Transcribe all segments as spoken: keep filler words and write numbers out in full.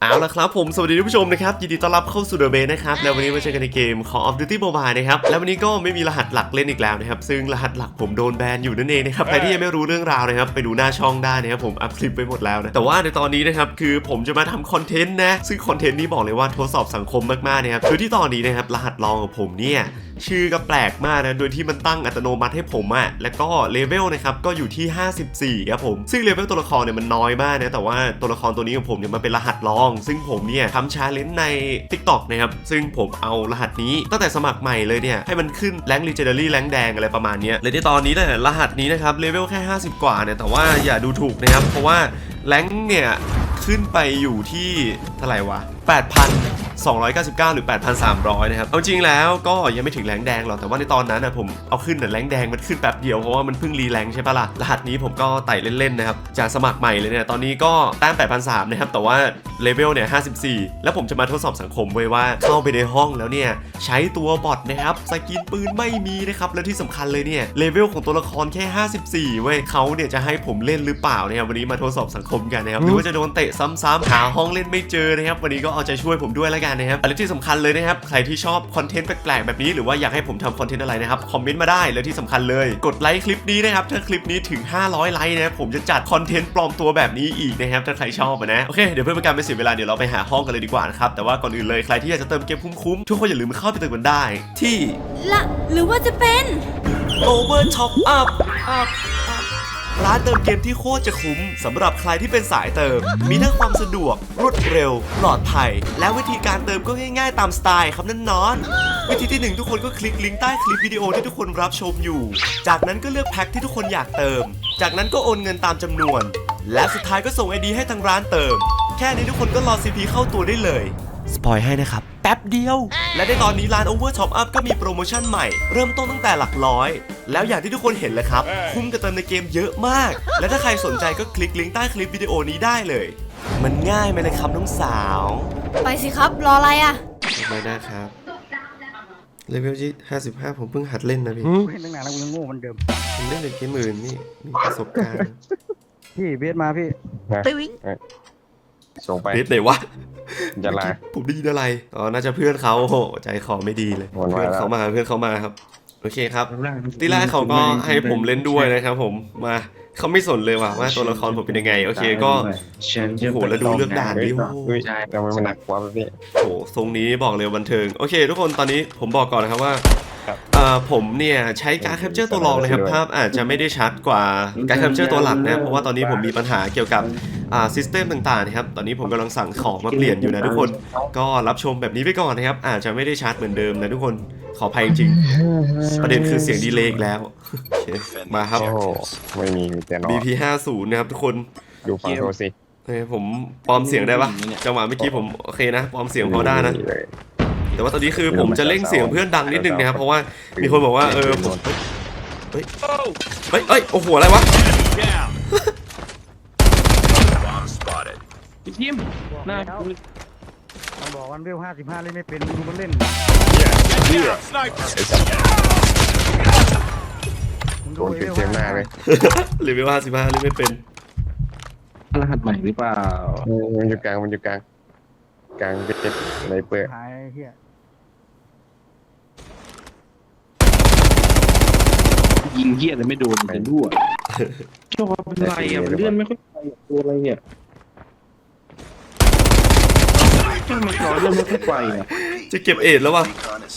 เอาละครับผมสวัสดีท่านผู้ชมนะครับยินดีต้อนรับเข้าสู่ The Base นะครับแล้ววันนี้มาเจอกันในเกม Call of Duty Mobile นะครับแล้ววันนี้ก็ไม่มีรหัสหลักเล่นอีกแล้วนะครับซึ่งรหัสหลักผมโดนแบนอยู่นั่นเองนะครับใครที่ยังไม่รู้เรื่องราวนะครับไปดูหน้าช่องได้นะครับผมอัพคลิปไปหมดแล้วนะแต่ว่าในตอนนี้นะครับคือผมจะมาทำคอนเทนต์นะซึ่งคอนเทนต์นี้บอกเลยว่าทดสอบสังคมมากๆนะครับคือที่ตอนนี้นะครับรหัสลองของผมเนี่ยชื่อก็แปลกมากนะโดยที่มันตั้งอัตโนมัติให้ผมอะแล้วก็เลเวลนะครับก็อยู่ที่ห้าสิบสี่ครับผมซึ่งเลเวลตัวละครเนี่ยมันน้อยมากนะแต่ว่าตัวละครตัวนี้ของผมเนี่ยมันเป็นรหัสลองซึ่งผมเนี่ยทำชาเลนจ์ใน TikTok นะครับซึ่งผมเอารหัสนี้ตั้งแต่สมัครใหม่เลยเนี่ยให้มันขึ้นแรงค์ Legendary แรงค์แดงอะไรประมาณนี้เลยในตอนนี้เนี่ยรหัสนี้นะครับเลเวลแค่ห้าสิบกว่าเนี่ยแต่ว่าอย่าดูถูกนะครับเพราะว่าแรงค์เนี่ยขึ้นไปอยู่ที่เท่าไหร่วะ แปดพันสองร้อยเก้าสิบเก้า หรือ แปดพันสามร้อย นะครับเอาจริงแล้วก็ยังไม่ถึงแรงแดงหรอกแต่ว่าในตอนนั้นนะผมเอาขึ้นแต่แรงแดงมันขึ้นแป๊บเดียวเพราะว่ามันเพิ่งรีแรงใช่ปะล่ะรหัสนี้ผมก็ไต่เล่นๆนะครับจากสมัครใหม่เลยเนี่ยตอนนี้ก็แต้ม แปดพันสามร้อย นะครับแต่ว่าเลเวลเนี่ยห้าสิบสี่แล้วผมจะมาทดสอบสังคมไว้ว่าเข้าไปในห้องแล้วเนี่ยใช้ตัวบอทนะครับสกินปืนไม่มีนะครับแล้วที่สำคัญเลยเนี่ยเลเวลของตัวละครแค่ห้าสิบสี่เว้ยเขาเนี่ยจะให้ผมเล่นหรือเปล่านะครับวันนี้มาทดสอบสังคมกันนะครับหรือว่าจะโดนเตะซ้ำๆหาห้องเล่นไม่เจอนะครับวันนี้ก็เอาใจช่วยผมด้วยแล้วกันนะครับและที่สำคัญเลยนะครับใครที่ชอบคอนเทนต์แปลกๆแบบนี้หรือว่าอยากให้ผมทำคอนเทนต์อะไรนะครับคอมเมนต์มาได้และที่สำคัญเลยกดไลค์คลิปนี้นะครับถ้าคลิปนี้ถึงห้าร้อยไลค์นะครับผมจะจัดคอนเทนต์ปลอมตัวแบบนี้อีกนะครับถ้าใครชอบนะโอเคเดี๋ยวเพื่อเป็นการไม่เสียเวลาเดี๋ยวเราไปหาห้องกันเลยดีกว่านะครับแต่ว่าก่อนอื่นเลยใครที่อยากจะเติมเกมคุ้มๆทุกคนอย่าลืมเข้าไปเติมกันได้ที่ละหรือว่าจะเป็น Over Top Up ร้านเติมเกมที่โคตรจะคุ้มสำหรับใครที่เป็นสายเติมมีทั้งความสะดวกรวดเร็วปลอดภัยและวิธีการเติมก็ง่ายๆตามสไตล์ครับนั่นนอนวิธีที่หนึ่งทุกคนก็คลิกลิงก์ใต้คลิปวิดีโอที่ทุกคนรับชมอยู่จากนั้นก็เลือกแพ็คที่ทุกคนอยากเติมจากนั้นก็โอนเงินตามจำนวนและสุดท้ายก็ส่ง ไอ ดี ให้ทางร้านเติมแค่นี้ทุกคนก็รอ ซี พี เข้าตัวได้เลยสปอยให้นะครับแป๊บเดียวและในตอนนี้ร้าน Over Top Up ก็มีโปรโมชั่นใหม่เริ่มต้นตั้งแต่หลักร้อยแล้วอย่างที่ทุกคนเห็นเลยครับคุ้มกับเติมในเกมเยอะมากและถ้าใครสนใจก็คลิกลิงก์ใต้คลิปวิดีโอนี้ได้เลยมันง่ายไหมเลยครับน้องสาวไปสิครับรออะไรอ่ไม่ได้ครับเลเวลที่ห้าสิบห้าผมเพิ่งหัดเล่นนะพี่เล่นตั้งนานแล้วกูยังโง่เหมือนเดิมผมเล่นในเกมอื่นนี่มีประสบการณ์พี่เบสมาพี่ตึ้งส่งไปเบสไหนวะจะลาผมได้ยินอะไรอ๋อน่าจะเพื่อนเขาโหใจคอไม่ดีเลยเพื่อนเขามาเพื่อนเขามาครับโอเคครับทีแรกเขาก็ให้ผมเล่นด้วยนะครับผมมาเขาไม่สนเลยว่ะว่าตัวละครผมเป็นยังไงโอเคก็โหแล้วดูเลือกด่านดิใช่แต่มันหนักกว่าพี่โหทรงนี้บอกเลยบันเทิงโอเคทุกคนตอนนี้ผมบอกก่อนนะครับว่าผมเนี่ยใช้การแคปเจอร์ตัวรองนะครับภาพอาจจะไม่ได้ชัดกว่าการแคปเจอร์ตัวหลักนะเพราะว่าตอนนี้ผมมีปัญหาเกี่ยวกับอ่าซิสเต็มต่างๆนะครับตอนนี้ผมกำลังสั่งของมาเปลี่ยนอยู่นะทุกคนก็รับชมแบบนี้ไปก่อนนะครับอาจจะไม่ได้ชัดเหมือนเดิมนะทุกคนขออภัยจริงประเด็นคือเสียงดีเลย์อีกแล้วมาครับไม่มีแต่น้องบี พี ห้าสิบ นะครับทุกคนดูฟังโทรสิเฮ้ยผมปลอมเสียงได้ปะจังหวะเมื่อกี้ผมโอเคนะปลอมเสียงพอได้นะแต่ว่าตอนนี้คือผมจะเร่งเสียงเพื่อนดังนิดนึงนะครับเพราะว่ามีคนบอกว่าเออผมเฮ้ยเฮ้ยเฮ้ยโอ้โหอะไรวะพี่ทีมน่าต้องบอกวันเวลห้าสิบห้าเล่นไม่เป็นดูมันเล่นโดนเต็มๆหน้าเลยเลเวลห้าสิบห้าเล่นไม่เป็นรหัสใหม่หรือเปล่ามันอยู่กลางมันอยู่กลางกลางเป็นอะไรเปิดหายเฮียยิงเหี้ยแต่ไม่โดนเป็นรั่วชอบเป็นไรอ่ะมันเลื่อนไม่ค่อยไปตัวอะไรเนี่ยช่างมันร้อนเลื่อนไม่ค่อยไปอ่ะจะเก็บเอ็ดแล้ววะ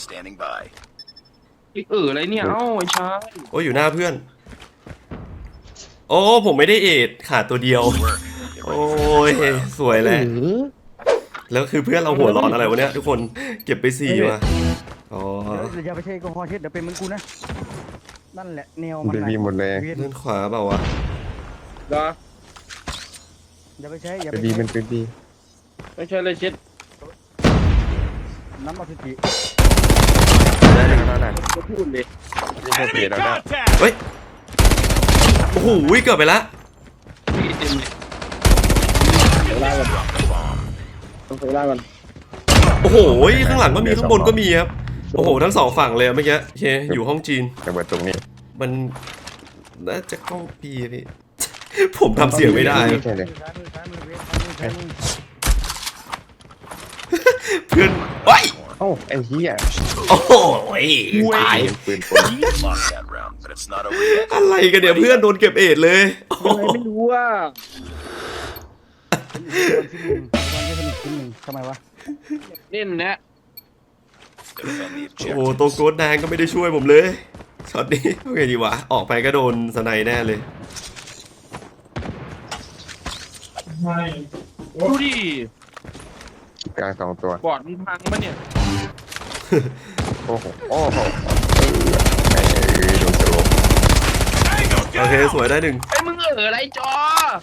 เอออะไรเนี่ยเอ้าไอ้ชายโอ้อยู่หน้าเพื่อนโอ้ผมไม่ได้เอ็ดขาดตัวเดียวโอ้ยสวยเลยแล้วคือเพื่อนเราหัวร้อนอะไรวะเนี่ยทุกคนเก็บไปสี่ว่ะอ๋ออย่าไปเช็คกอเช็ดเดี๋ยวเป็นเหมือนกูนะนั่นแหละแนวมันดีหมดเลยเล่นขวาเปล่าวะดาอย่าไปใช้อย่าไปดีมันเป็นดีไม่ใช่เลยเช็ดน้ำมันติได้เลยก็ได้ก็พูดเลยไม่ใช่เปลี่ยนแล้วได้เฮ้ยโอ้โหเกือบไปละเต็มเลยเดี๋ยวไล่กันต้องไปไล่กันโอ้โหข้างหลังก็มีข้างบนก็มีครับโอ้โหทั้งสองฝั่งเลยเมื่อกี้โอเคอยู่ห้องจีนระเบิดตรงนี้มันน่าจะเข้าปีพี่ผมทำเสียงไม่ได้เพื่อนโอ้ยโอ้ไอ้เหี้ยโอ้โหตายปืนปืน Lost that round, but it's not over yet. อะไรกันเนี่ยเพื่อนโดนเก็บเอ็ดเลยโอ้โหอะไรไม่รู้ว่าวันที่หนึ่งวันที่สนุกที่หนึ่งทำไมวะเล่นนะ Defend the โอ้ objective. ตัวโกดแดงก็ไม่ได้ช่วยผมเลยช็อตนี้โอเคดีวะออกไปก็โดนสไนแน่เลยดูดิกลางสองตัวบอดมันพังปะเนี่ยโอ้โหโอ้โหไอ้โดนสโลปโอเคสวยได้หนึ่งไอ้มึงเอออะไรจอ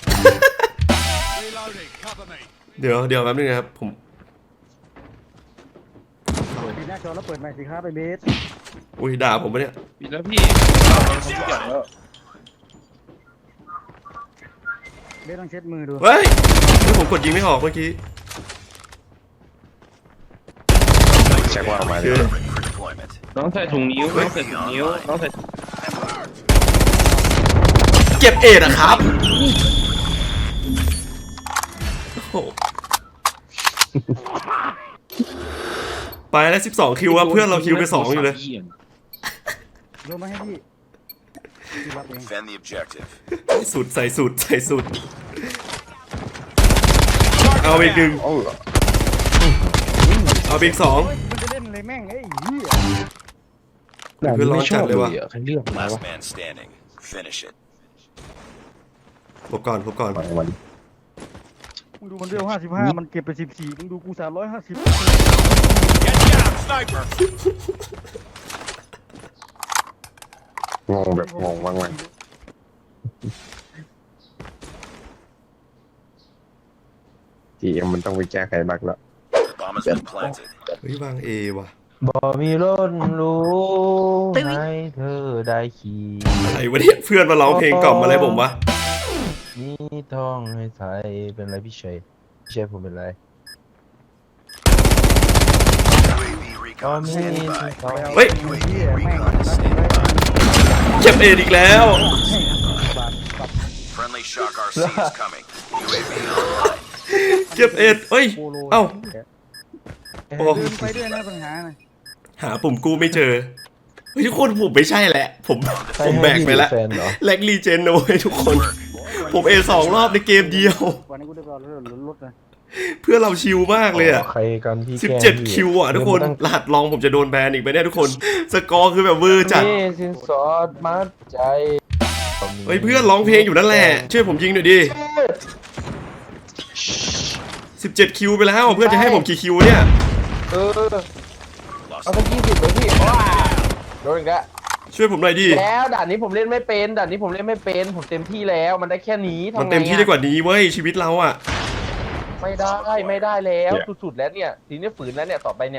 เดี๋ยวเดี๋ยวแป๊บนึงนะครับผมปิดหน้าจอแล้วเปิดใหม่สิครับไอเบสอุ้ยด่าผมปะเนี่ยปิดแล้วพี่เอาทุกอย่างแล้วเบสต้องเช็ดมือดูเฮ้ยเฮ้ยผมกดยิงไม่ออกเมื่อกี้เช็คว่าออกมาเลเชื่ยอ Ready for deployment. น้องใส่ถุงนิ้วน้องใส่ถุงนิ้วน้องใส่เก็บเอ็ดอะครับโอ้โหไปแล้วสิบสองคิวอะเพื่อนเราคิวไปสองอยู่เลยโยนมาให้พี่พี่รับเอง Defend the objective. ใส่สุดใส่สุดใส่สุดเอาอีกหนึ่งโอ้เอาอีกสองมันจะเล่นเลยแม่งไอ้เหี้ยเพื่อนร้อนจัดเลยว่ะใครเลือกมา Last วะ man standing. Finish it. พบก่อนพบก่อนมาวันมึงดูมันเรียวห้าสิบห้ามันเก็บไปสิบสี่มึงดูกูสามร้อยห้าสิบงงแบบงงว่างวันทีเอ็มมันต้องไปแก้ไขบั๊กแล้ว The bomb has been planted. เฮ้ยวางเอว่ะบ่มีรถรู้ให้เธอได้ขี่อะไรวะเนี่ยเพื่อนมาร้องเพลงกล่อมอะไรผมวะมีทองให้ใส่เป็นไรพี่เฉยพี่เฉยผมเป็นไร U A V ก็ recon มี standing by. ทองเฮ้ยไอ้เหี้ยแม่ง Recon รัด standing เลย by. เก็บเอ็ดอีกแล้วบาทปรับ Friendly Shock R C is coming. U A V online. เก็บเอ็ดเอ้ยโปโลเอ้าเดินไปด้วยนะปัญหาน่ะหาปุ่มกู้ไม่เจอเฮ้ยทุกคนผมไม่ใช่แหละผมผมแบกไปแล้วแฟนเหรอแล็กลีเจนนะเว้ยทุกคน ผมเอสองรอบในเกมเดียววันนี้กูได้รอรถรถนะเพื่อนเราชิลมากเลยอะใครกันพี่สิบแกล้งเจ็ดพี่คิวอะทุกคนเดิรหัสลองผมจะโดนแบนอีกไหมเนี่ยทุกคน สกอร์คือแบบเวอร์จัดนี่สินสอดมัดใจเฮ้ยเพื่อนร้องเพลงอยู่นั่นแหละช่วยผมยิงหน่อยดิสิบเจ็ดคิวไปแล้วเพื่อนจะให้ผมกี่คิวเนี่ยเออเอาสักยี่สิบเลยพี่ว้าโดนอีกแล้วช่วยผมหน่อยดิแล้วด่านนี้ผมเล่นไม่เป็นด่านนี้ผมเล่นไม่เป็นผมเต็มที่แล้วมันได้แค่นี้ทำไงมันเต็มที่ได้กว่านี้เว้ยชีวิตเราอะไม่ได้ไม่ได้แล้วสุดๆแล้วเนี่ยทีนี้ฝืนแล้วเนี่ยต่อไปเนี่ย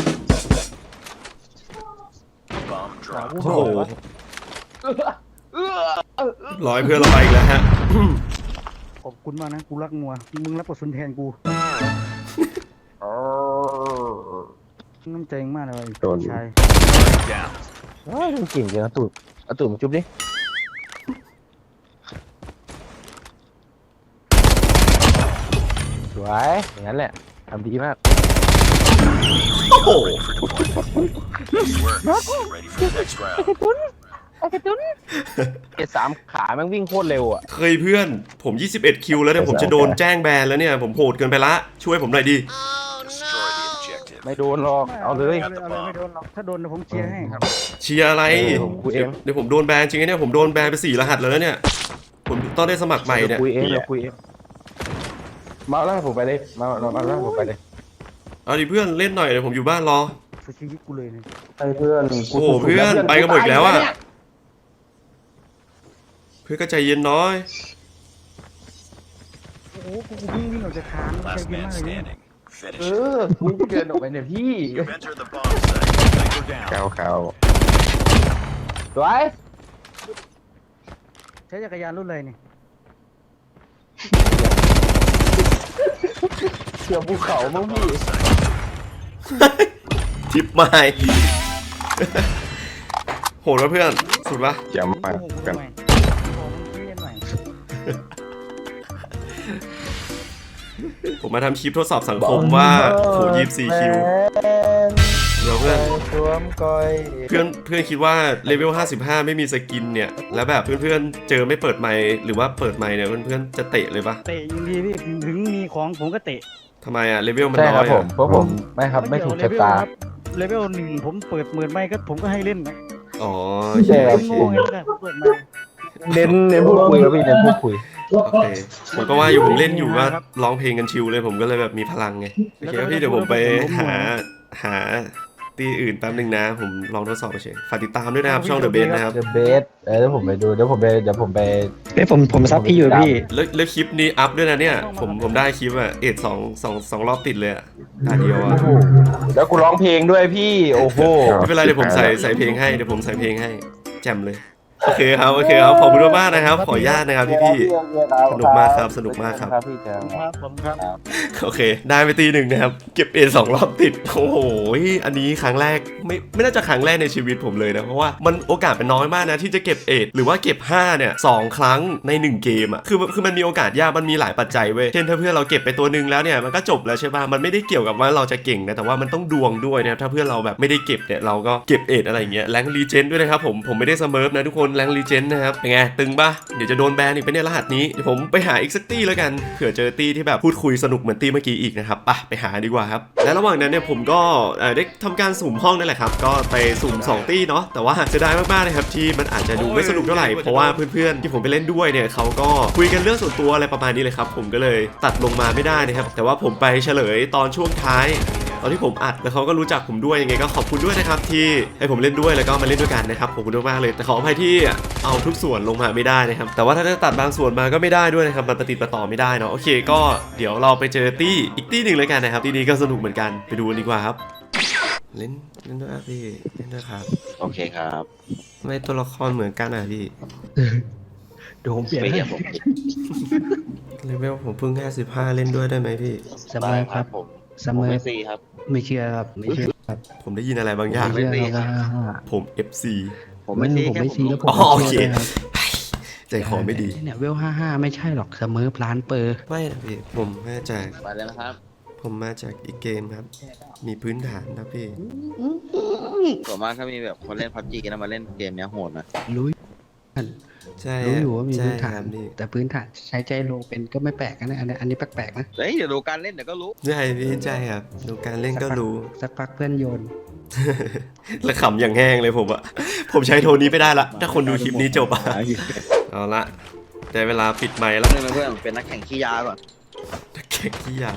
Bomb หา drop. ผู้โอ้โหโหเออเออเออร้อยเพื่อนเราไปอีกแล้วฮะขอบคุณมากนะกูรักงัวมึงรับบทสุนแทนกูน้ำใจมากเลยโดนชาย Down. เฮ้ยมันเก่งจังนะตูดเอาตูดมาจุ๊บดิสวยอย่างนั้นแหละทำดีมากโอ้โห Ready for deployment. Nice work. Ready for the next round. ไอ้กระตุ้นเอสามขาแม่งวิ่งโคตรเร็วอ่ะเคยเพื่อนผมยี่สิบเอ็ดคิวแล้วเนี่ยผมจะโดนแจ้งแบนแล้วเนี่ยผมโหดเกินไปละช่วยผมหน่อยดิ Destroy the objective. ไม่โดนหรอกเอาเลยเอาเลยเอาเลยไม่โดนหรอกถ้าโดนเดี๋ยวผมเชียร์ให้ครับเชียร์อะไรเออผมคุยเองเดี๋ยวผมโดนแบนจริงๆเนี่ยผมโดนแบนไปสี่รหัสแล้วนะเนี่ยผมต้องได้สมัครใหม่เนี่ยคุยเองเราคุยเองมาล่างผมไปเลยมามามาล่างผมไปเลยเอาดิเพื่อนเล่นหน่อยเดี๋ยวผมอยู่บ้านรอสุดชีวิตกูเลยเนี่ยไอ้เพื่อนโอ้โหเพื่อนไปกันหมดอีกแล้วอะ เพื่อนก็ใจเย็นน้อยโอ้โหกูกูวิ่งวิ่งออกจากคานใจ Last เย็น man มากเลยเนี่ย standing. เอ Finish it. อคุณเกินออกไปเนี่ยพี่ You've entered the bomb site. Go down. ก้าวขาวสวยใช้จักรยานรุ่นอะไรเนี่ยเสือภูเขามั้งพี่ทิปไม้ โหดวะเพื่อนสุดปะเจียมมากโอ้โหกันทำไมบอกมึงเรียนหน่อยผมมาทำคลิปทดสอบสังคมว่าโหยี่สิบสี่คิวเดี๋ยวเพื่อนสวมก้อยเพื่อนเพื่อนคิดว่าเลเวลห้าสิบห้าไม่มีสกินเนี่ยแล้วแบบเพื่อนๆเจอไม่เปิดไมค์หรือว่าเปิดไมค์เนี่ยเพื่อนๆจะเตะเลยปะเตะยิงดีพี่ถึงมีของผมก็เตะทำไมอะเลเวลมันใช่น้คอรับยผอะมเพราะผมไม่ครับไม่ถูกชะตาเลเวลหนึ่งผมเปิดหมื่นไม่ก็ผมก็ให้เล่นนะอ๋อใช่ครับโง่ไงไม่ได้ผมเปิดไมค์เน้นเน้นพูดคุยครับพี่เน้นพูดคุยโอเคผมก็ว่าอยู่ผมเล่นอยู่ก็ร้องเพลงกันชิวเลยผมก็เลยแบบมีพลังไงโอเคครับพี่เดี๋ยวผมไปหาหาตีอื่นแป๊บนึงนะผมลองทดสอบเฉยฝากติดตามด้วยนะครับช่อง The Base นะครับ The Base เออเดี๋ยวผมไปดูเดี๋ยวผมไปเดี๋ยวผมไปเอ้ยผมผมซับพี่อยู่พี่แล้วแล้วคลิปนี้อัพด้วยนะเนี่ยผมผมได้คลิปอะเอ็ดสองสองสองรอบติดเลยอะตาเดียวอะแล้วกูร้องเพลงด้วยพี่โอ้โหไม่เป็นไรเดี๋ยวผมใส่ใส่เพลงให้เดี๋ยวผมใส่เพลงให้แจ่มเลยโอเคครับโอเคครับขอบคุณมากนะครับ ขออนุญาตนะครับพี่พี่สนุกมากครับสนุกมากครับครับพี่เจอครับผมครับโอเค ได้ไปตีหนึ่งนะครับเก็บเอสองรอบติดโอ้โหอันนี้ครั้งแรกไม่ไม่น่าจะครั้งแรกในชีวิตผมเลยนะเพราะว่ามันโอกาสเป็นน้อยมากนะที่จะเก็บเอหรือว่าเก็บห้าเนี่ยสองครั้งในหนึ่งเกมอ่ะคือคือมันมีโอกาสยากมันมีหลายปัจจัยเว้ยเช่นถ้าเพื่อนเราเก็บไปตัวหนึ่งแล้วเนี่ยมันก็จบแล้วใช่ป่ะมันไม่ได้เกี่ยวกับว่าเราจะเก่งนะแต่ว่ามันต้องดวงด้วยนะครับถ้าเพื่อนเราแบบไม่ได้เก็บเนี่ยเราก็เก็บเอทอะไรอย่างเงี้ยแรงรีเจนด้วยนะครับผมผมไม่ได้เสมอนะทุกคนแรงรีเจนนะครับเป็นไงตึงป่ะเดี๋ยวจะโดนแบนอีกไปเนี่ยรหัสนี้เดี๋ยวผมไปหาอีกสักตี้แล้วกันเผื่อเจอตี้ที่แบบพูดคุยสนุกเหมือนตี้เมื่อกี้อีกนะครับไปไปหาดีกว่าครับและระหว่างนั้นเนี่ยผมก็เอ่อได้ทำการสุ่มห้องนั่นแหละครับก็ไปสุ่มสองตี้เนาะแต่ว่าเสียดายมากๆนะครับที่มันอาจจะดูไม่สนุกเท่าไหร่เพราะว่าเพื่อนๆที่ผมไปเล่นด้วยเนี่ยเขาก็คุยกันเรื่องส่วนตัวอะไรประมาณนี้เลยครับผมก็เลยตัดลงมาไม่ได้นะครับแต่ว่าผมไปเฉลยตอนช่วงท้ายตอนที่ผมอัดแล้วเขาก็รู้จักผมด้วยยังไงก็ขอบคุณด้วยนะครับที่ให้ผมเล่นด้วยแล้วก็มาเล่นด้วยกันนะครับขอบคุณมากๆเลยแต่ขออภัยที่เอาทุกส่วนลงมาไม่ได้นะครับแต่ว่าถ้าจะตัดบางส่วนมาก็ไม่ได้ด้วยนะครับมันประติดประต่อไม่ได้เนาะโอเคก็เดี๋ยวเราไปเจอตี้อีกตี้หนึ่งเลยกันนะครับตี้นี้ก็สนุกเหมือนกันไปดูกันดีกว่าครับเล่นเล่นด้วยครับพี่เล่นด้วยครับโอเคครับทำไมตัวละครเหมือนกันอ่ะพี่เดี๋ยวผมเปลี่ยนไม่ให้เห็นผมเลเวลผมเพิ่งแค่สิบห้าเล่นด้วยได้ไหมพี่เสมอครับผมเสมอไม่ซีครับไม่เชื่อครับไม่เชื่อครับผมได้ยินอะไรบางอย่างไม่เชื่อครับผม เอฟ ซีผมไม่ซีผมแค่ไม่ผมซีลแล้วงผมอ๋อโอเคไม่ชื่ครับใจคอไม่ดีเนี่ยเวลห้าห้าไม่ใช่หรอกเสมอพลานเปอร์ไม่นะพี่ผมมาจากไปแล้วนะครับผมมาจากอีกเกมครับ มีพื้นฐานนะพี่ส่วนมากถ้ามีแบบคนเล่นพับจีกันมาเล่นเกมเนี้ยโหดนะรู้ใช่รู้อยู่ว่ามีใช่พื้นฐาคน รับพี่แต่พื้นฐานใช้ใจโลเป็นก็ไม่แปลกนะอันนี้อันนี้แปลกๆนะเฮ้ยเดี๋ยวดูการเล่นเดี๋ยวก็รู้ใช่พี่ใช่ครับดูการเล่นก็รู้สักพักเพื่อนโยนแล้วขำอย่างแห้งเลยผมอะผมใช้โทนนี้ไม่ได้ละถ้าคนดูคลิปนี้จบอะเอาละได้เวลาปิดไมค์แล้วเพื่อนเพื่อนเป็นนักแข่งขี้ยาก่อนแข่งขี้ยา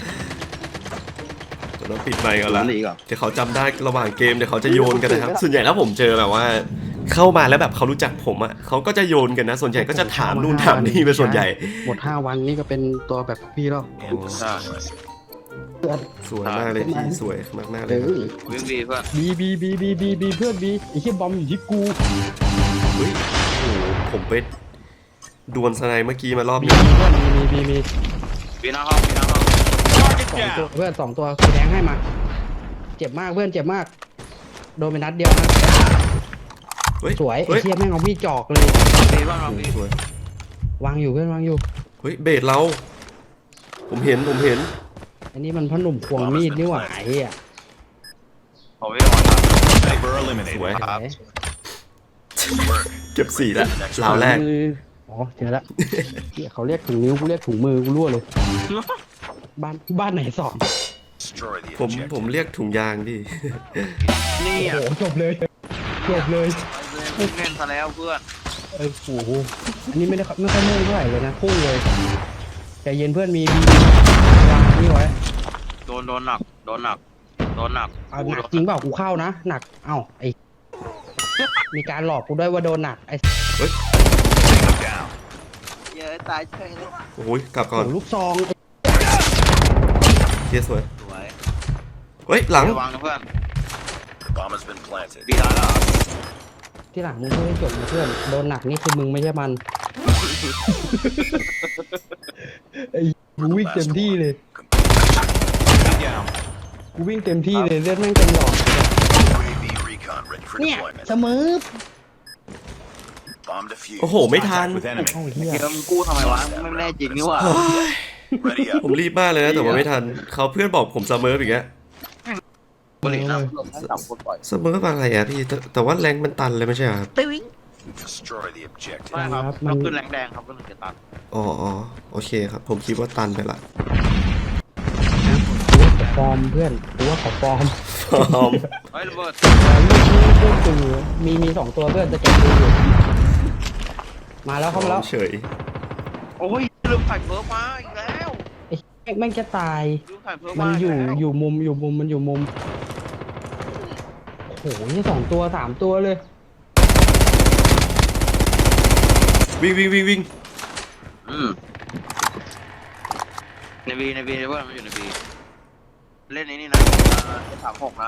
จะต้องปิดไมค์ก่อนละหลีก่อนเดี๋ยวเขาจำได้ระหว่างเกมเดี๋ยวเขาจะโยนกันนะครับ ส่วนใหญ่แล้วผมเจอแบบว่า เข้ามาแล้วแบบเขารู้จักผมอะเขาก็จะโยนกันนะ ส่วนใหญ่ก็จะถามนู่นถามนี่เป็นส่วนใหญ่หมดห้าวันนี่ก็เป็นตัวแบบพี่แล้วใช่สวยมากเลยพี่สวยมากมากๆเลเอยครับอวิ่งดีเพื่อนบีบีบีบีบีบีเพื่อนบีไอ้เหี้ยบอมอยู่ที่กูเฮ้ยโอ้โหผมไปดวลสไนเมื่อกี้มารอบมีนี้เพื่อนมีมีมีมีปีหน้าห้องปีหน้าห้องสองตัวเพื่อนสองตัวกูแดงให้มา เจ็บมากเพื่อนเจ็บมาก โดนไปนัดเดียวนะเฮ้ยสวยไอ้เฮ้ยเชี่ยแม่งเอามีดจอกเลยปีบ้างเราปีสวยวางอยู่เพื่อนวางอยู่เฮ้ยเบสเรา ผมเห็นผมเห็นอันนี้มันพ่อหนุ่มควงมีดนี่หว่าไอ้เหี้ยผมไม่ได้วาง Sniper ส eliminated. วยไหน Work. เก็บสี่แล้วราวแรกมืออ๋อเจอละเหี้ยเขาเรียกถุงนิ้วกูเรียกถุงมือกูรั่วเลย บ้านบ้านไหนสอง Destroy the ผม objective. ผมเรียกถุงยางดินี่โอ้อ่ะโหจบเลยจบเลยเล่นซะแล้วเพื่อนเอ้ยโอ้โหอันนี้ไม่ได้ไม่ค่อยมุ่งเท่าไหร่เลยนะพุ่งเลยใจเย็นเพื่อนมีมีวางนี่ไว้โดนโดนหนักโดนหนักโดนหนักเอาหนักจริงเปล่ากูเข้านะหนักเอ้าไอมีการหลอกกูด้วยว่าโดนหนักไอ Down. เยอะตายเฉยเลยโอ้ยกลับก่อนโอ้ลูกซองไอ้เทียสวยสวยเฮ้ยหลังระวังนะเพื่อน Bomb has been planted. ปีหน้าแล้วที่หลังมึงพูดให้จบนะเพื่อนโดนหนักนี่คือมึงไม่ใช่มันไอ้กูวิ่งเต็มที่เลย Down. กูวิ่งเต็มที่เลยเลือดแม่งเต็มหลอด U A V recon ready for เนี่ย deployment. เสมอ Bomb defused. โอ้โหไม่ทัน Contact with enemy. เอ้าเฮียเดี๋ยวมึงกู้ทำไมวะไม่แน่จริงนี่หว่าเฮ้ย Ready up. ผมรีบมากเลยนะแต่ว่าไม่ทันเขาเพื่อนบอกผมซัมเมอร์อีกแล้วบริษัทลงให้สามคนปล่อยซัมเมอร์อะไรอะพี่แต่แต่ว่าแรงมันตันเลยไม่ใช่เหรอครับตึ้ง Destroy the objective. ไม่ครับมันเราขึ้นแรงแดงครับก็เลยจะตัดอ๋ออ๋อโอเคครับ ผมคิดว่าตันไปละกูว่าเขาฟอร์มเพื่อนกูว่าเขาฟอร์มพร้อมเฮ้ยระเบิดลูกนี้ลูกตูมีมีสองตัวเพื่อนจะแกะดูอยู่มาแล้วเข้ามาแล้วเฉยโอ้ยลืมใส่เพิร์กมาอีกแล้วไอ้แม่งแม่งจะตายลืมใส่เพิร์กมัมานอยู่แล้วอยู่มุมอยู่มุมมันอยู่มุมโอ้โหนี่สองตัวสามตัวเลยวิ่งวิ่งวิ่งวิ่งอืมในบีในบีในเพื่อนมันอยู่ในบีเล่นนี้นี่นะสามหกนะ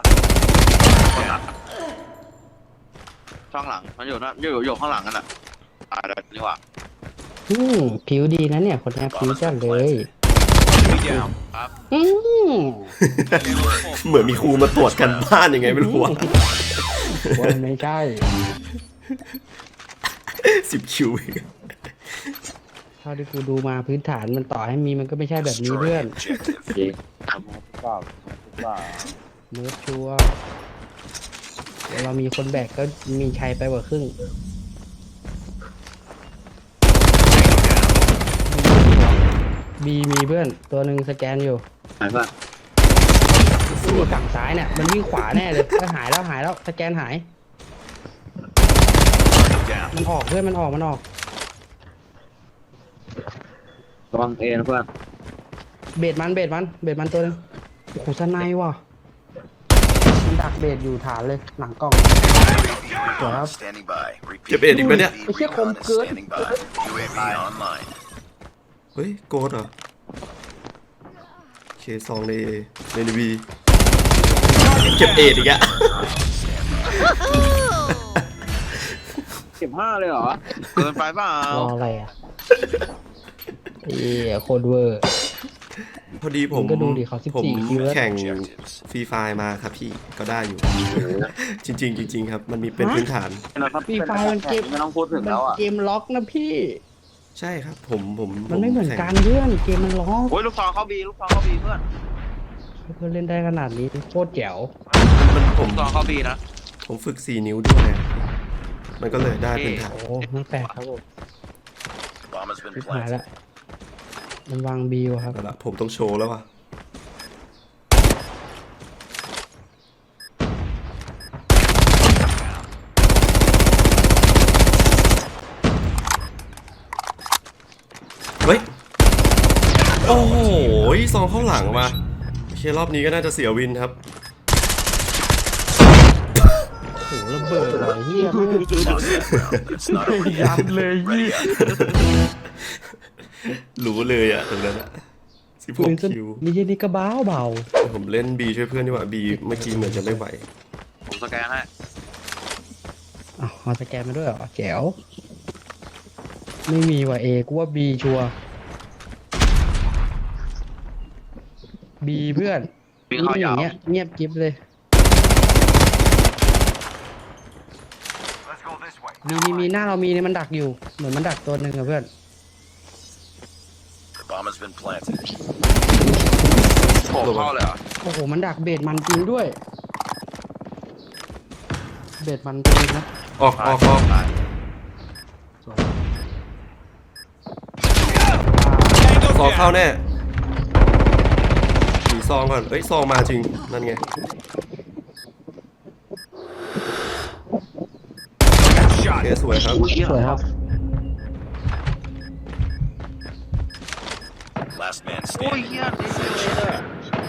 ช่องหลังมันอยู่นะอยู่อยู่ข้างหลังกันอ่ะตายแล้วนี่หว่าอืมผิวดีนะเนี่ยคนนี้ผิวจัดเลย Enemy down. อืมเหมือนมีครูมาตรวจกันบ้านยังไงไม่รู้อะว่าไม่ใช่สิบคิวเองเท่าที่กูดูมาพื้นฐานมันต่อให้มีมันก็ไม่ใช่แบบนี้ Destroy เพื่อ the น objective. เปล่าเปล่าเนื้อชัวร์เดี๋ยวเรามีคนแบกก็มีชัยไปกว่าครึ่งบีมีเพื่อนตัวหนึ่งสแกนอยู่หายป่ะอยู่ฝั่งซ้ายเนี่ยมันวิ่งขวาแน่เลยก็หายแล้วหายแล้วสแกนหาย Down. มันออกเพื่อนมันออกมันออกระวังเอนะเพื่อนเบดมันเบดมันเบดมันตัวหนึงโอ้โหสไนว่ะมันดักเบดอยู่ฐานเลยหลังกล้อง Recon standing by. เก็บ Repeat. เอ็ดอีกปะเนี่ยไอ้เหี้ยคม Recon is เกิน standing by. U A V online. เฮ้ยโกดเหรอเคซองในในนีวีเก็บเอ็ดอีกอะเก็บห้าเลยเหรอเกินไปเปล่ารออะไรอ่ะเอ้ยโคตรเวอร์พอดีผมมึงก็ดูดิเขาสิบผมสี่คิวแล้วแข่ง Objectives. ฟรีไฟมาครับพี่ก็ได้อยู่ จริง ๆ จริง ๆ ครับ มันมีเป็นพื้นฐานฟรีไฟมันเกมไม่ต้องพูดถึงมันแล้วอ่ะเกมล็อกนะพี่ใช่ครับ ผมผมมันไม่เหมือนแข่งกันเพื่อนเกมมันล็อกโอ้ยลูกซองเข้าบีลูกซองเข้าบีเพื่อนเพื่อนเล่นได้ขนาดนี้โคตรแจ๋วมันผมลูกซองเข้าบีนะผมฝึกสี่นิ้วด้วยอะมันก็เลยได้พื้นฐานโอ้ไม่แปลกครับผม Bomb has been ชิบหาย planted. ละมันวางบีวะครับเอาละผมต้องโชว์แล้วว่ะเฮ้ย โอ้โหซองเข้าหลังมาโอเครอบนี้ก็น่าจะเสียวินครับโอ้โหระเบิดเลยเฮีย It's not over ยั yet. นเลยยี่รู้เลยอะตรงนั้นอะสิบหปืกนสคิวนี่ยี่นี่ก็บ้าเบาผมเล่นบีช่วยเพื่อนดีกว่าบีเมื่อกี้เหมือนจะไม่ไหวผมสแกนให้อ้าวเอาสแกนมาด้วยเหรอแจ๋วไม่มีว่ะเอกูว่าบีชัวบีเพื่อนวิ่งเข้าอยาย่าว งเงี้ยเงียบกิ๊บเลย มีมีมีหน้าเรามีเนี่ยมันดักอยู่ เหมือนมันดักตัวหนึ่งอะเพื่อน The bomb has been planted. โผล่เข้าเลยเหรอโอ้โหมันดักเบดมันจริงด้วย เบดมันจริงนะออกออกออกซองเข้าแน่หนีซองก่อน เอ้ยซองมาจริง นั่นไง โอเคสวยครับสวยครับ Last man โอ้ย standing. เฮียนี่เลยอะ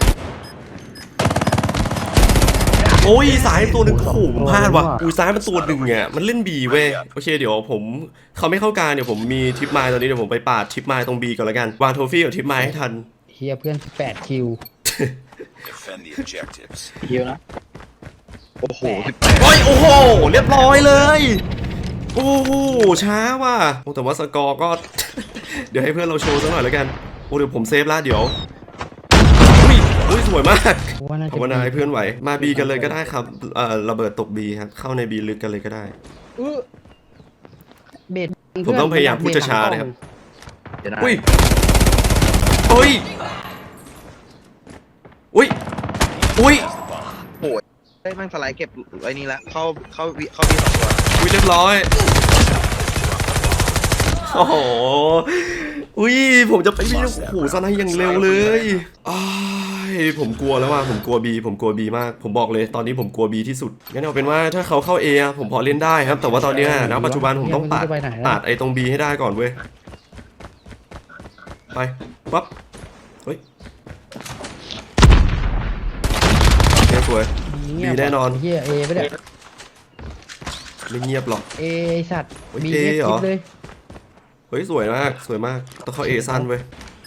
โอ้ยสายตัวหนึ่งโอ้โหผมพลาดว่ะอุ้ยซ้ายมันตัวหนึ่งอ่ะมันเล่นบีเว้ยโอเคเดี๋ยวผมเขาไม่เข้ากลารเดี๋ยวผมมีทิปไมล์ตอนนี้เดี๋ยวผมไปปาดทิปไมล์ตรงบีก่อนละกันวางโทฟี่กับทิปไมล์ให้ทันเฮียเพื่อนแปดคิว Defend the objectives. เยอะนะโอ้โหโอ้ยโอ้โหเรียบร้อยเลยโอ้โหช้าว่ะโอ้แต่ว่าสกอร์ก็ เดี๋ยวให้เพื่อนเราโชว์สักหน่อยแล้วกันโอ้เดี๋ยวผมเซฟละเดี๋ยวอุ้ยอุ้ยสวยมากว่าน่าจะภาวนาให้เพื่อนไหวมาบีกันเลยก็ได้ครับเอ่อระเบิดตกบีครับเข้าในบีลึกกันเลยก็ได้อื้อเบดผมต้องพยายามพูดช้าๆนะครับเดี๋ยวนะอุ้ยโอ้อ้ยอุ้ยอุ้ยได้แม่งสไลด์เก็บไอ้นี่ละเข้าเข้าวิเข้าวิสองตัวอุ้ยเรียบร้อยโอ้โหอุ้ยผมจะไปวิ่งโอ้โหสไนด์อย่างเร็วเลยอ้ายผมกลัวแล้วว่าผมกลัวบีผมกลัวบีมากผมบอกเลยตอนนี้ผมกลัวบีที่สุดงั้นเอาเป็นว่าถ้าเขาเข้าเอผมพอเล่นได้ครับแต่ว่าตอนนี้ณปัจจุบันผมต้องตัดตัดไอ้ตรงบีให้ได้ก่อนเว้ยไปปั๊บเฮ้ยโอเคสวย บีแน่นอนเฮียเอไม่ได้ไม่เงียบหรอกเอสัตว์เฮ้ยบี A เอเหรอเลยเฮ้ยสวยมากสวยมากต้องเข้าเอสั้นเว้ย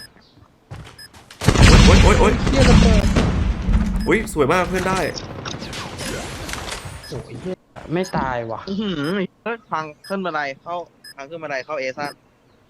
โอ๊ยโอ๊ยโอ๊ยเฮียระเบิดอุ้ยสวยมากเพื่อนได้โอ้ยเฮียไม่ตายว่ะอื้อหือเฮ้ยพังขึ้นบันไดเข้าพังขึ้นบันไดเข้าเอซัน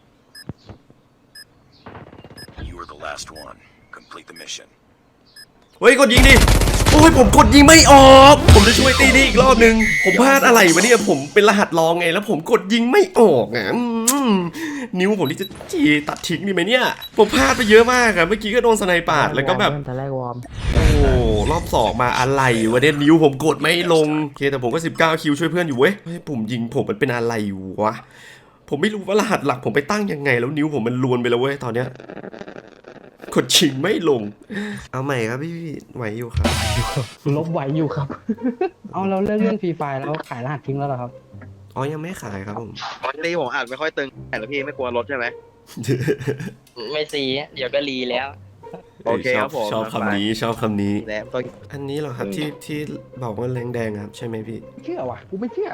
You are the last one. Complete the mission. เฮ้ยกดยิงดิโอ้ยผมกดยิงไม่ออก ผมจะช่วยตีนี่อีกรอบนึงผมพลาดอะไรวะเนี่ยผมเป็นรหัสรองไงแล้วผมกดยิงไม่ออกอ่ะอืมนิ้วผมนี่จะจีตัดทิ้งดีไหมเนี่ยผมพลาดไปเยอะมากอะเมื่อกี้ก็โดนสไนปาดแล้วก็แบบตอนแรกวอร์มโอ้รอบสองมาอะไรวะเนี่ยนิ้วผมกดไม่ลงโอเคแต่ผมก็สิบเก้าคิวช่วยเพื่อนอยู่เว้ยเฮ้ยปุ่มยิงผมมันเป็นอะไรวะผมไม่รู้ว่ารหัสหลักผมไปตั้งยังไงแล้วนิ้วผมมันลวนไปแล้วเว้ยตอนเนี้ยกดชิงไม่ลงเอาใหม่ครับพี่ไหวอยู่ครับลบไหวอยู่ครับ เอาเราเลิกเล่นฟรีไฟแล้วขายรหัสทิ้งแล้วเหรอครับอ๋อยังไม่ขายครับผมตีผมอาจไม่ค่อยตึงแต่ละพี่ไม่กลัวรถใช่ไหมไม่ซีเดี๋ยวก็รีแล้วโอเคครับผมชอบคำนี้ชอบคำนี้แล้วก็อันนี้เหรอครับที่ที่บอกว่าแรงแดงครับใช่ไหมพี่เชื่อว่ะกูไม่เชื่อ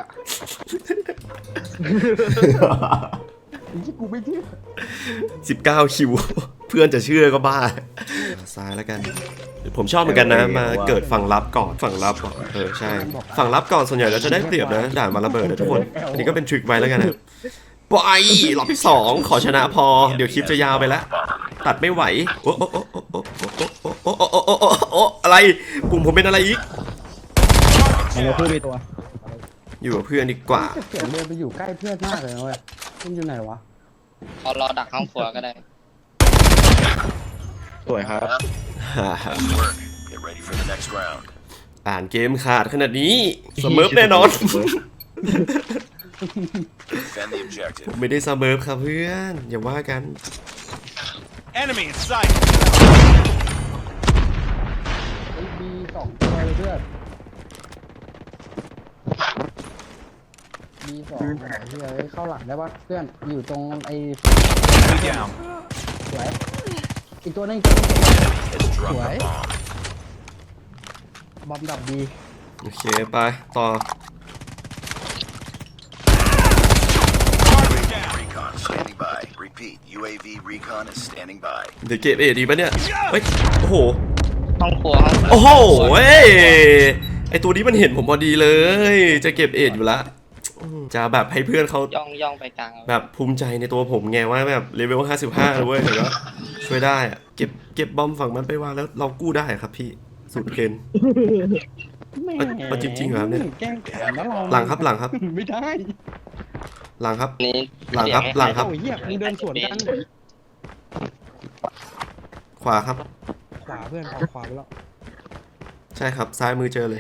ไอ้ที่กูไม่เชื่อสิบเก้าคิว เพื่อนจะเชื่อก็บ้าซ้ายแล้วกันผมชอบเหมือนกันนะมาเกิดฝั่งรับก่อนฝั่งรับก่อนเออใช่ฝั่งรับก่อนส่วนใหญ่เราจะได้เปรียบนะด่านมาระเบิดนะทุกคนอันนี้ก็เป็นทริคไว้แล้วกันนะปล่อยรอบที่สองขอชนะพอเดี๋ยวคลิปจะยาวไปแล้วตัดไม่ไหวโอ้โอ้โอ้โอ้โอ้โอ้โอ้โอ้โอ้โอ้โอ้อะไรปุ่มผมเป็นอะไรอีกมันจะพูดไปตัวอยู่กับเพื่อนดีกว่าเสียงเดินไปอยู่ใกล้เพื่อนมากเลยนะเว้ยมันอยู่ไหนวะเอารอดักห้องครัวก็ได้สวยครับ Nice work. Get ready for the next round. อ่านเกมขาดขนาดนี้เสมอแน่นอน Defend the objective. ไม่ได้เสมอครับเพื่อนอย่าว่ากัน Enemy in sight. ไอ้บีสองตัวเลยเพื่อนบีสองเฮ้ยเข้าหลังได้ปะเพื่อนอยู่ตรงไอ้ Enemy down. สวยอีกตัวนึงอีกตัวนึง Drop the What? bomb. บอมดับดีโอเคไปต่อ Recon standing by. Repeat. U A V recon is standing by. เดี๋ยวเก็บเอดีปะเนี่ยเฮ้ยโอ้โหห้องครัวห้องครัวโอ้โหเว้ยไอตัวนี้มันเห็นผมพอดีเลยจะเก็บเอดอยู่ละอืมจะแบบให้เพื่อนเขาย่องย่องไปกลางเอาแบบภูมิใจในตัวผมไงว่าแบบเลเวลห้าสิบห้าเลยเว้ยเห็นปะช่วยได้อะเก็บเก็บบอมฝั่งมันไปวางแล้วเรากู้ได้ครับพี่สุดเกณฑ์แม่เอาจริงๆเหรอครับเนี่ยแกล้งแขนแล้วเราหลังครับหลังครับไม่ได้หลังครับนี่หลังครับเสียหลังครับโอ้ยเหี้ยมึงเดินสวนกันขวาครับขวาเพื่อนเอาขวาไปแล้วใช่ครับซ้ายมือเจอเลย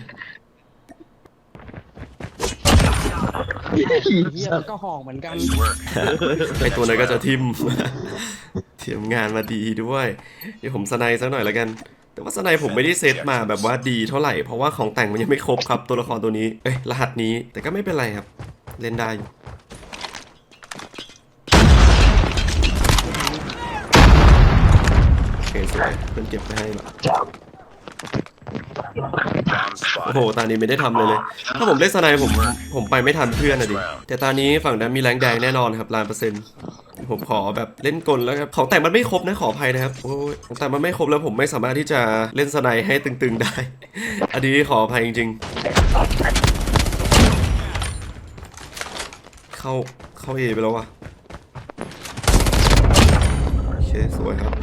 เหี้ยมันก็ห่องเหมือนกัน Nice work. ไอตัวนั้นก็จะทิม เทียมงานมาดีด้วยเดี๋ยวผมสไนด์สักหน่อยแล้วกัน แต่ว่าสไนด์ผมไม่ได้เซตมาแบบว่าดีเท่าไหร่เพราะว่าของแต่งมันยังไม่ครบครับตัวละครตัวนี้เอ้ยรหัสนี้แต่ก็ไม่เป็นไรครับเล่นได้อยู่โอเคสวยเพื่อนเก็บไปให้ละ Bomb โอ้โห spotted. ตอนนี้ไม่ได้ทำเลยเลย ถ้าผมเล่นสไนด์ผมผมไปไม่ทันเพื่อนนะดิแต่ตอนนี้ฝั่งนั้นมีแรงแดงแน่นอนครับล้านเปอร์เซ็นต์ผมขอแบบเล่นกลแล้วครับของแต่งมันไม่ครบนะขออภัยนะครับโอ้ยของแต่งมันไม่ครบแล้วผมไม่สามารถที่จะเล่นสไนด์ให้ตึงๆได้ อันนี้ขออภัยจริงๆเข้าเข้าเอไปแล้ววะโอเคสวยครับ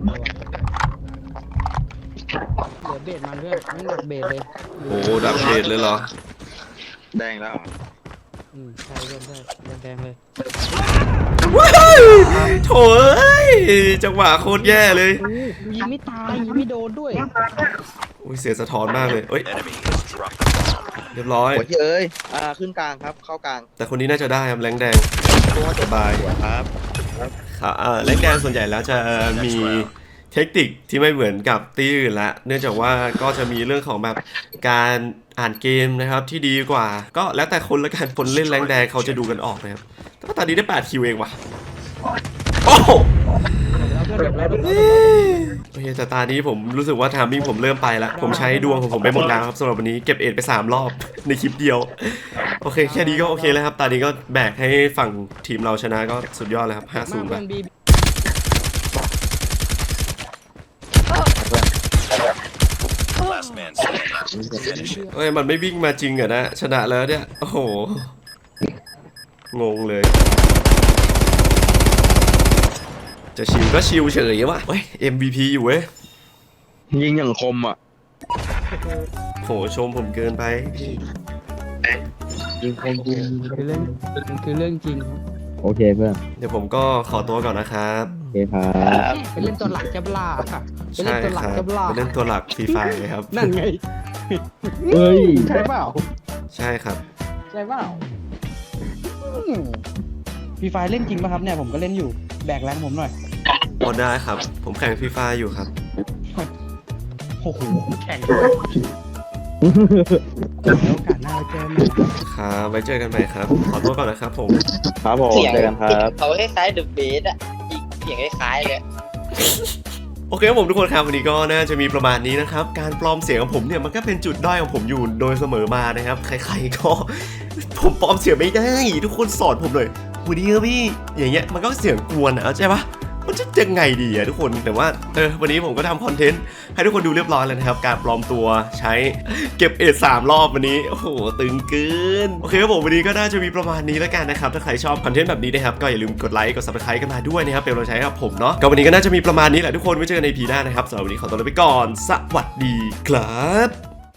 เหลือเบสมันเพื่อนไม่หนักเบสเลยโอ้ดับเบดเลยเหรอแดงแล้วเหรออืมใช่เพื่อนใช่แดงๆเลยว้ายโถ่เอ้ยจังหวะโคตรแย่เลยโอ้ยิงไม่ตายยิงไม่โดนด้วยอุ้ยเสียสะท้อนมากเลยเอ้ย Enemy has dropped the bomb. เรียบร้อยหัวที่เอ้ยอ่าขึ้นกลางครับเข้ากลางแต่คนนี้น่าจะได้ครับแรงแดงตัวสบายครับครับอ่าแรงแดงส่วนใหญ่แล้วจะมีเทคนิคที่ไม่เหมือนกับตีอื่นละเนื่องจากว่าก็จะมีเรื่องของแบบการอ่านเกมนะครับที่ดีกว่า ก็แล้วแต่คนละกันคนเล่นแรงแดงเขาจะดูกันออกนะครับแต่ว่าตอนนี้ได้แปดคิวเองว่ะโอ้โหแล้วเพื่อนแบบแล้วโอเคแต่ตานี้ผมรู้สึกว่าทามมิ่งผมเริ่มไปแล้วผมใช้ดวงของผมไปหมดแล้วครับสำหรับวันนี้เก็บเอ็ดไปสามรอบในคลิปเดียวโอเคแค่นี้ก็โอเคแล้วครับตานี้ก็แบกให้ฝั่งทีมเราชนะก็สุดยอดเลยครับห้าศูนย์ไปเพื่อนบี Last man standing. Finish it. เอ้ยมันไม่วิ่งมาจริงเหรอนะชนะแล้วเนี่ยโอ้โหงงเลยจะชิวก็ชิวเฉยว่ะเฮ้ย เอ็ม วี พี อยู่เว้ยยิงอย่างคมอ่ะโหชมผมเกินไปยิงคมคือเรื่องมันคือเรื่องจริงครับโอเคเพื่อนเดี๋ยวผมก็ขอตัวก่อนนะครับโอเคครับไปเล่นตัวหลักจะบลาค่ะไปเล่ใช่นตัวหลัคกรับจะบลาไปเล่นตัวหลักฟรีไฟครับนั่นไงเฮ้ยใช่เปล่าใช่ครับใช่เปล่าฟรีไฟเล่นจริงป่ะครับเนี่ยผมก็เล่นอยู่แบกแรงผมหน่อยพอได้ครับ ผมแข่งฟรีไฟอยู่ครับโอ้โหแข่งด้วยแล้วโอกาสหน้าเราเจอกันใหม่นะครับครับไว้เจอกันใหม่ครับ ขอตัวก่อนนะครับผมครับผมเสียงเจอกันครับเขาคล้ายๆเดอะเบสอะอีกเสียงคล้ายๆเลยโอเคครับผมทุกคนครับวันนี้ก็น่าจะมีประมาณนี้นะครับการปลอมเสียงของผมเนี่ยมันก็เป็นจุดด้อยของผมอยู่โดยเสมอมานะครับใครๆก็ ผมปลอมเสียงไม่ได้ทุกคนสอนผมเลยวันนี้ครับพี่อย่างเงี้ยมันก็เสียงกวนนะใช่ปะมันจะยังไงดีอะทุกคนแต่ว่าเออวันนี้ผมก็ทำคอนเทนต์ให้ทุกคนดูเรียบร้อยแล้วนะครับการปลอมตัวใช้เก็บเอทสามรอบวันนี้โอ้โหตึงเกินโอเคครับผมวันนี้ก็น่าจะมีประมาณนี้แล้วกันนะครับถ้าใครชอบคอนเทนต์แบบนี้นะครับก็อย่าลืมกดไลค์กด ซับสไครบ์ กันมาด้วยนะครับเป็นกำลังใจให้กับผมเนาะก็วันนี้ก็น่าจะมีประมาณนี้แหละทุกคนไว้เจอกันใน อี พี หน้านะครับสำหรับวันนี้ขอตัวลาไปก่อนสวัสดีครับ